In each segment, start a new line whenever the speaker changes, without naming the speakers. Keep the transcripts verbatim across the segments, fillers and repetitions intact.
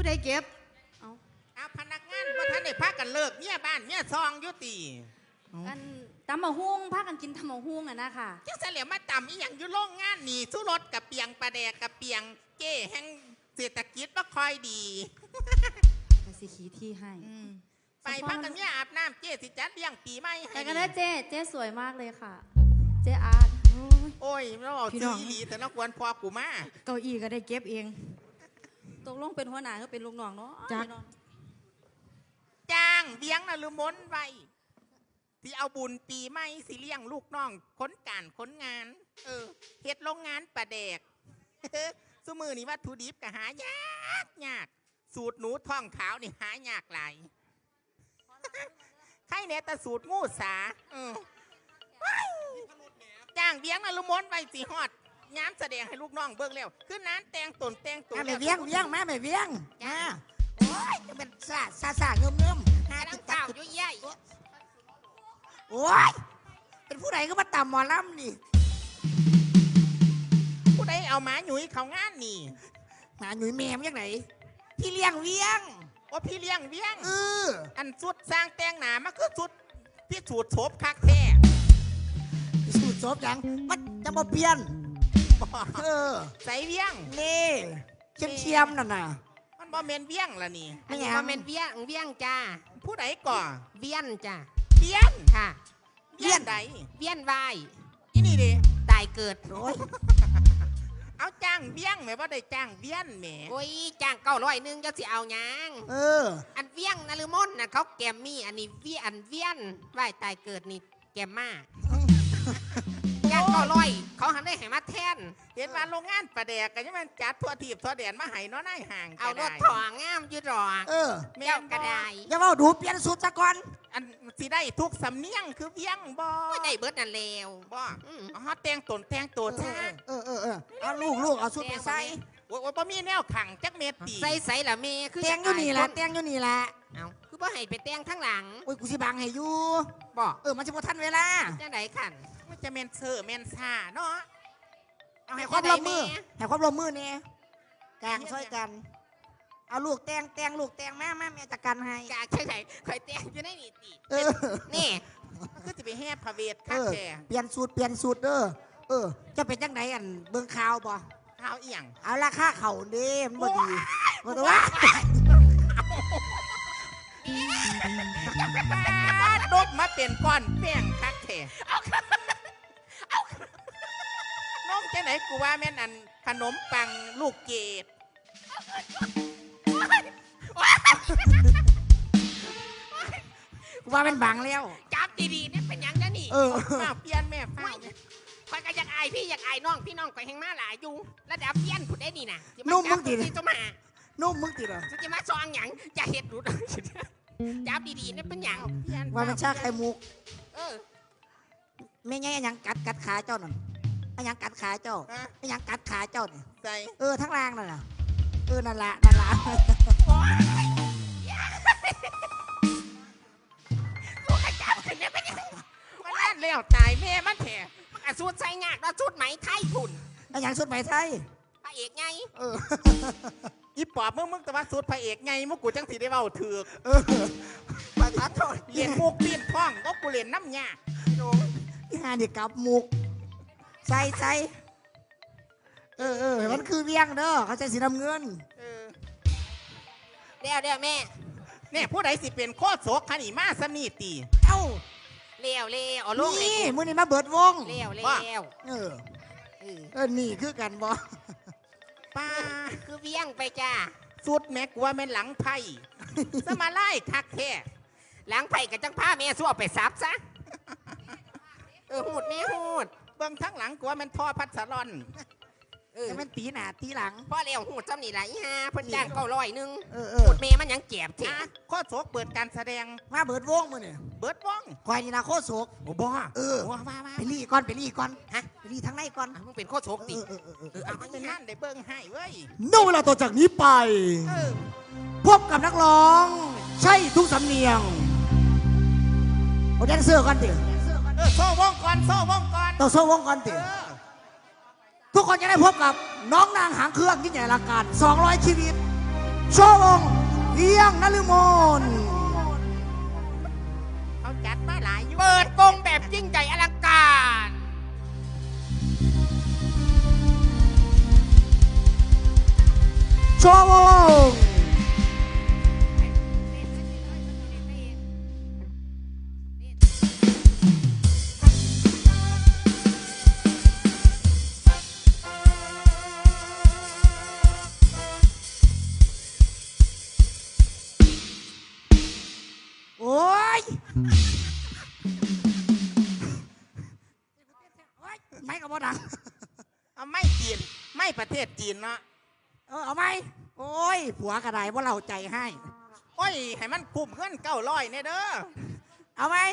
ใดเก็บเอา
เอาพนักงานว่าท่านได้พักกันเลิกเนี่ยบ้านเนี่ยซองยุติ
กันตำมะฮุ่งพากันกินตำมะฮุ่งอะนะค่ะ
จังเสลียมาต่ำอีหยังอยู่โรงงานนี่สู้รถกับเปียงปลาแดกกับเปียงเก้แห่งเศรษฐกิจว่าคอยดี
ไปสิขีที่ให้
ไปพักกันเนี่ยอาบน้ำเจ้สิจัดเลี้ยงปีใหม่
ไปกันนะเจ๊เจ๊สวยมากเลยค่ะเจ๊อาร์ต
โอ้ยเราเอาซื้อดีแต่นักวนพอกูมา
เก้าอี้ก็ได้เก็บเอง
ตกลงเป็นหัวหน้าก็เป็นลูกน้องเนาะ
จ้างเลี้ยงนะลืมมนไว้ที่เอาบุญปีใหม่สิเลี้ยงลูกน้องค้นการค้นงานเออเฮ็ดโรงงานปลาแดกสมือนี่วัตถุดิบก็หายากยากสูตรหนูท้องขาวนี่หายากหลายใครเนี่ยแต่สูตรงูสาจ้างเลี้ยงนะลืมมนไว้สิฮอดย้ำแสดงให้ลูกน้องเบิ่งแล้วคือนั้นแต่งตนแต่งตัว
แม่เวียงเวียงแม่แม่เวียงจ้าโอ้ยจะเป็นซาซาซาเงิมเงิม
หาติดเต่ายุ่ยใหญ่
โอ้ยเป็นผู้ใดก็มาต่ำหมอลำนี่
ผู้ใดเอาหมาหนุ่ยเขางานนี่
หมาหนุ่ยแม่ยังไงพี่เลี้ยงเวียง
โอ้พี่เลี้ยงเวียง
เออ
อันสุดสร้างแต่งหนามาคือสุดพี่สูตรโฉบคักแท้
สูตรโฉบยังมันจะมาเปลี่ยนเออ
ใส่เวียง
นี่เชียมเชียมนั่นน่ะ
มันบ่เมนเวียงละนี่
อันนี้บ่เมนเวียงเวียงจ้า
ผู้ใดก่อ
เวียนจ้า
เวียน
ค่ะ
เวียนใด
เวียนวาย
อีนี่ดิ
ตายเกิด
โอ้ยเอาจ้างเวียงแม่ว่าได้จ้างเวียนแม่
โอ้ยจ้างเก้าร้อยนึงจะสิเอาหยัง
เออ
อันเวียงนฤมลน่ะเขาแกมมี่อันนี้เวียนเวียนวายตายเกิดนี่แกมมาจ้างเก้าร้อยเขาหันได้ให้มาแทน
เห็นว่าโรงงานปลาแดกกันยังมันจัดทั่วทีบทั่วแดนมาให้น้อหน้าห่าง
เอารถถองงามยืดรอ
เออ
แม่กระได
อย่าว่าดูเปลี่ยนสูตรซะก่อน
อันสิได้ทุกสำเนียงคือเวียงบ่
ไม่ได้เบิดนั่นเลว
บ่อ๋อแต่งตนแต่งตัว
ซะเออเออเออเอาลูกลูกเอาสูตรไปใส่
โอ้ยบ่มีแนวขังจักเม็ดตี
ใส่ใส่ละเมคือ
แต่งอยู่นี่แหละแต่งอยู่นี่แหละ
เอาคือบ่ให้ไปแต่งทั้งหลัง
โอ้ยกูสิบังให้อยู่
บ่
เออมันจะบ่ทันเวลา
จังได๋คั่น
มันจะเมนเซอร์เมนซาเนาะ
เอาให้ความร่วมมือให้ความร่วมมือเนี่ยกางช่วยกันเอาลูกแตงแตงลูกแตงแม่แม่แม่จัดการให้
กางใช่ไหมคอยแตงอยู่ในนี่ตีนี่
ก็จะไปแห่พระเวทข้าแก่
เปลี่ยนสูตรเปลี่ยนสูตรเด้อเออจะเป็นจังไหนอันเบิ่งข่าวบ่
ข่าวเอียง
เอาราคาเข่าเด้มันบ่ดีบ่ตัวว่า
ดบมาเป็นก้อนแป้งคักแท้น้องจะไหนกูว่าแม่นอันขนมปังลูกเกด
กูว่าเป็นบังแล้ว
จับดีๆนี่เป็นยังจะนี่
เออ
มาเปลี่ยนแม่ฟ้า
คอยก็อยากอายพี่อยากอายน้องพี่น้องคอยแห่งมาหลายอยู่ระดับเพี้ยนผุดได้นี่นะ
นุ่มมึงติด
จะมา
นุ่มมึงติดเหรอ
จะมาซองหยังจะเห็ดรุดจับดีๆนี่เป็นหยัง
ว่าเป็นชาไข่มุก
เออ
ไม่ไงยังกัดกัดขาเจ้านั่นไอ้ยังกัดขาเจ้าไอ้ยังกัดขาเจ้าเนี่ย
ใส่
เออทั้งรางนั่นน่ะเออนั่นละนั่นละ
ลูกกระจับขึ้นเนี่ยเป็นยัง
มันแล่นเลี้ยวตายแม่มันแถ
มันกระสุดใส่งากแล้วสุดไหมไทยคุณ
ไอ้ยังสุดไหมไทย
พระเอกไง
เอออีปอบมึงมึงแต่ว่าสุดพระเอกไงมุกกูจังสีได้เบาถือ
เออประทัดโทษ
เลี้ยนมุกปีนท้องก็กูเลี้ยนน้ำยา
โน้ที่หาเด็กกับมุกใส่ใส่เออเออมันคือเวียงเด้อเขาใส่สีน้ำเงิน
เออ
เดี๋ยวเดี๋ยวแม่
เนี่ยผู้ใดสิเป็นโคตรโศกขันอีมาสมีตี
เอ้า
เลี้ยวเลี้ยวลูก
นี่มือนี่มาเบิดวง
เลี้ยวเลี้ยว
เออเออนี่คือกันบ่
ป้า
คือเวียงไปจ้า
สุดแม่กลัวแม่หลังไผ่สมาไล่คักแท้
หลังไผ่กับจังผ้าแม่สู้เอาไปซับซะเออหูดแม่หูด
เบื้องทั้งหลังกลัวมันท่อพัดสลอน
เออมันตีหนาตีหลัง
พ่อเลี้ยวหูดซ้ำนี่แหละอีห่าเพิ่นจ้างเก้าร้อยนึง
หู
ดเมมันยังเจ็บเถอะ
โคตรโศกเปิดการแสดง
มาเบิดวงมือเนี่ย
เบิดวง
คอยนี่นะโคตรโศก
โอ้บ้า
เออ
ว้าว้า
ไปรีก่อนไปรีก่อนฮะไปรีทั้งในก่อน
มึงเป็นโคตรโศกดิ
เออเออเออเออ
เอาเป็นนั่นได้เบิ้งให้เว้ย
นู่นเวลาต่อจากนี้ไปพบกับนักร้องใช่ทุกสำเนียงเอาแดนเซอร์ก่อนติ
เออโซ่วงก่อนโซ่วงก่อน
ต้องโซ่วงก่อนติทุกคนจะได้พบกับน้องนางหางเครื่องที่ใหญ่ละกันสองร้อยชีวิตโชว์วงเพียงนฤมล
เขาจัดมาหลายอยู่
เปิดวงแบบยิ่งใหญ่อลังการ
โชว์วงโอ้ยไม่กับบ่ดัง
เอาไม่จีนไม่ประเทศจีนเนาะ
เออเอาไหมโอ้ยผัวกระไดว่าเราใจให้
โอ้ยให้มันคุ้มเงินเก้าร้อยเนี่ยเด้อ
เอาไหม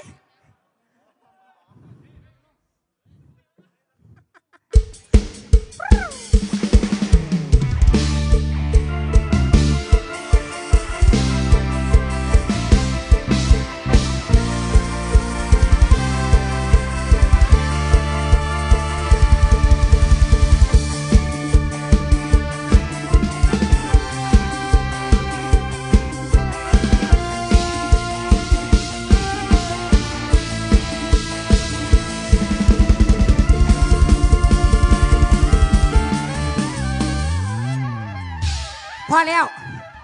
พอแล้ว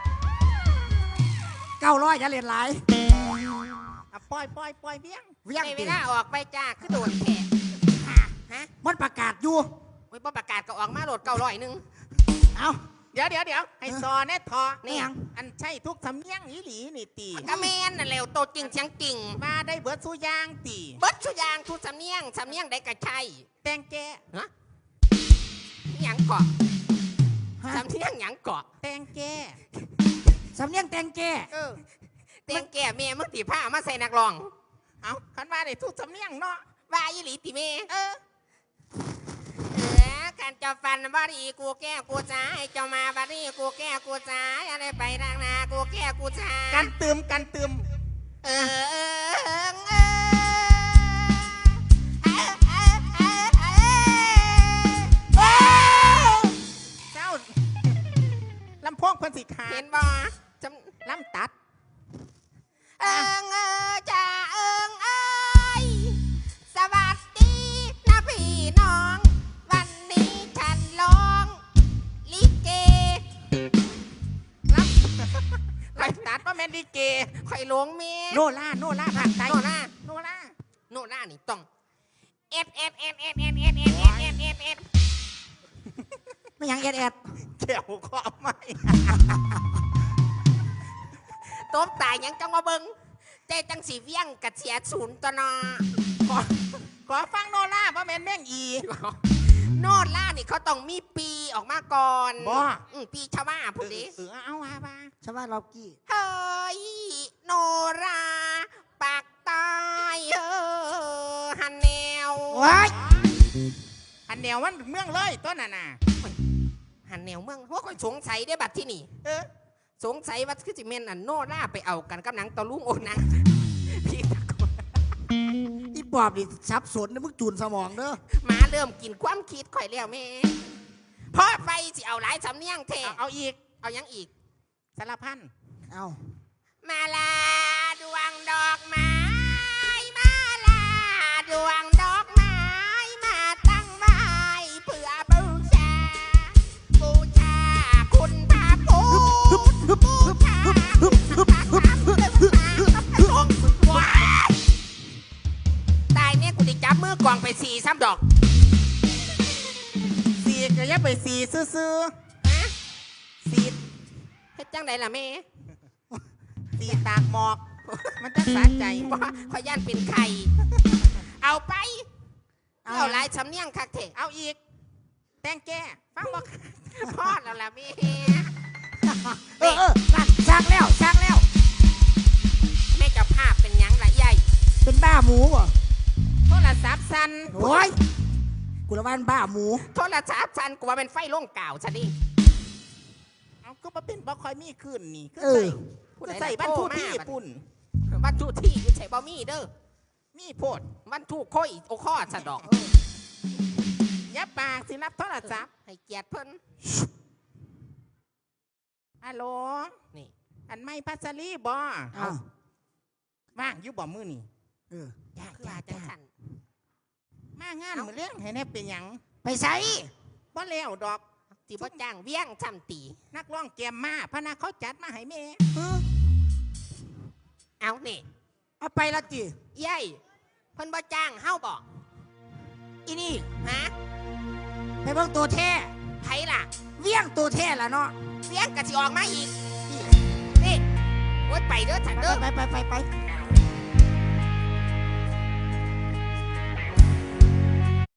เก้าร้อยจะเรียนหลาย
อ่ะปล่อยปล่อยปล่อยเบี้ยง
เวียง
ในเว
ติ
ลาออกไปจ้าคือโดนแขกฮะ
มันประกาศอยู่
โอ้ยบ่ประกาศก็ออกมาโหลดเก้าร้อยหนึง
เอา
เดี๋ยวเดี๋ยวเดี๋ยวให้ซอแน่ทอ
นี่หยัง
อันใช่ทุกสำเนียงอีหลีนี่ตี
ก็แม่นน่ะแล้วโตจริงเสียงจริง
มาได้เบิดสู้ยางตี
เบิดสุอยางทุกสำเนียงสำเนียงได้กระชัย
แตงแก
ฮะหยังเกาะ
ฮะ
สำเนียงหยังเกาะ
แตงแก
สำเนียงแตงแก่
เออ
เตียงแก่เมียมึงตีผ้ามาใส่นักร้อง
เอาคันว่าได้ทุกสำเนียงเนาะ
ว่าอีหลีติเม
เออ
เออการจะฟันบารีกูแก้กูจ้าให้เจ้ามาบารีกูแก้กูจ้าอะไรไปทางนากูแก้กูจ้า
กันตืมกันตืม
เออเออเออเออเออเออเออเออ
เจ้าลำโพงเพิ่นสิขา
เห็
ด
นบ่จำ
ลำตัด
เอิงเออจ้าเอิงเอ้ยสวัสดีนะพี่น้อง วันนี้ฉันร้องลิเก
ลำลำตัดว่าแมนดีเก
ข่อยหลงเมีย
โนล่าโนล่าภาคใต้
โน่น่า
โนล่า
โน่น่านี่ต้องเอ็ดเอ็ดเอ็ดเอ็ดเอ็ดเอ็ดเอ็ดเอ็ดเอ็ดเอ็ดเอ็ด
ไม่หยังแอดแอด
เขียวขอไม่
ตบตายยังจังมาเบิงใจจังสีเวียงกัดเสียศูนย์ตัวเนอ
ขอขอฟังโนล่าว่าแมนแม่งอี
โนดล่านี่เขาต้องมีปีออกมาก่อน
บ่
อืมปีชาวบ้าพูดดิ
เออเอาว่าว่า
ชาวบ้านเรากี้
เฮ้ยโนราปากตายเออฮันแนว
ว้าย
อันแนวมันเมืองเลยต้นน่ะน่ะ
ฮันแนวเมืองว่าคอยสงสัยได้บัดที่นี่
เออ
สงสัยว่าคือจิเมนอันโนราไปเอากันกับหนังตะลุงโอนังพี่ตะโกน
อีปอบนี่สับสนนะมึงจูนสมองเด้อ
หมาเริ่มกินความคิดข่อยแล้วแม่พ่อไปสิเอาหลายสำเนียงเท
เอาเอาอีก
เอายังอีก
สารพัน
เอา
มาลาดวงดอกไม้มาลาดวงดอกไม้มาตั้งไว้เพื่อบูชาบูชาคุณพระพุทธบูชาตายเนี่ยกูจะจับมือกวางไปสี่ซ้ำดอก
สีก็อยับไปสีซื้อ
ฮะ
ๆสี
เฮ็ดจังไดล่ะแม่
สีตากหมอก มันจะสะใจ
ว่าขอย่านเป็นไข่เอาไปเอาหลายสำเนียงคักเถอะ
เอาอีก แตงแกฟังบอก
พ่อแล้วล่ะแม่
เออเออนั่นชักแล้วชักแล้ว
แม่เจ้าภาพเป็นหยังล่ะใหญ่
เป็นบ้าหมูบ่
โทรศัพท์สั่น
โอ้ยกูละบ้านบ้าหมู
โทรศัพท์ฉันกูว่าเป็นไฟล่งก่าวฉันดิ
เอาก็มาเป็นบ่คอยมีขึ้นนี่ก็
เอ
ใส่
อ
ก็ใส่บ้านทุกที่ปุ่น
วันทุกที่อยู่ใส่บ่มีเด้อ
มีโพด
วันทุกค่อยโอข้อสะดอก
ยับปากสิรับโทรศัพท์
ให้เกียรติเพิ่น
ฮัลโหล
นี่
อันไม่พัสลีบอ
อ้าว
ว่างอยู่บ่มือนี่
เออ
จ้า
คือ
จ้า
ว่าจัง
จ้า
สัน
มางานมือเรื่องให้แน่เป็นหยัง
ไปใส่
บ่แล้วดอก
สิบ่จ้างเวียงจำตี
นักร้องแกมมาพะนาเขาจัดมาให้แม่
เอานี่
เอาไปละจี
เยัยเพิ่นบ่จ้างเฮาบอกอีนี่ฮะ
ไปเบิ่งตัวแท้
ไผล่ะ
เวียงตัวแท้ละเนาะ
เวียงกะสิออกมาอีกนี่โอ๊ยไปเด้อฉัน
ไป
เด้อ
ไปไปไปไป
อ่า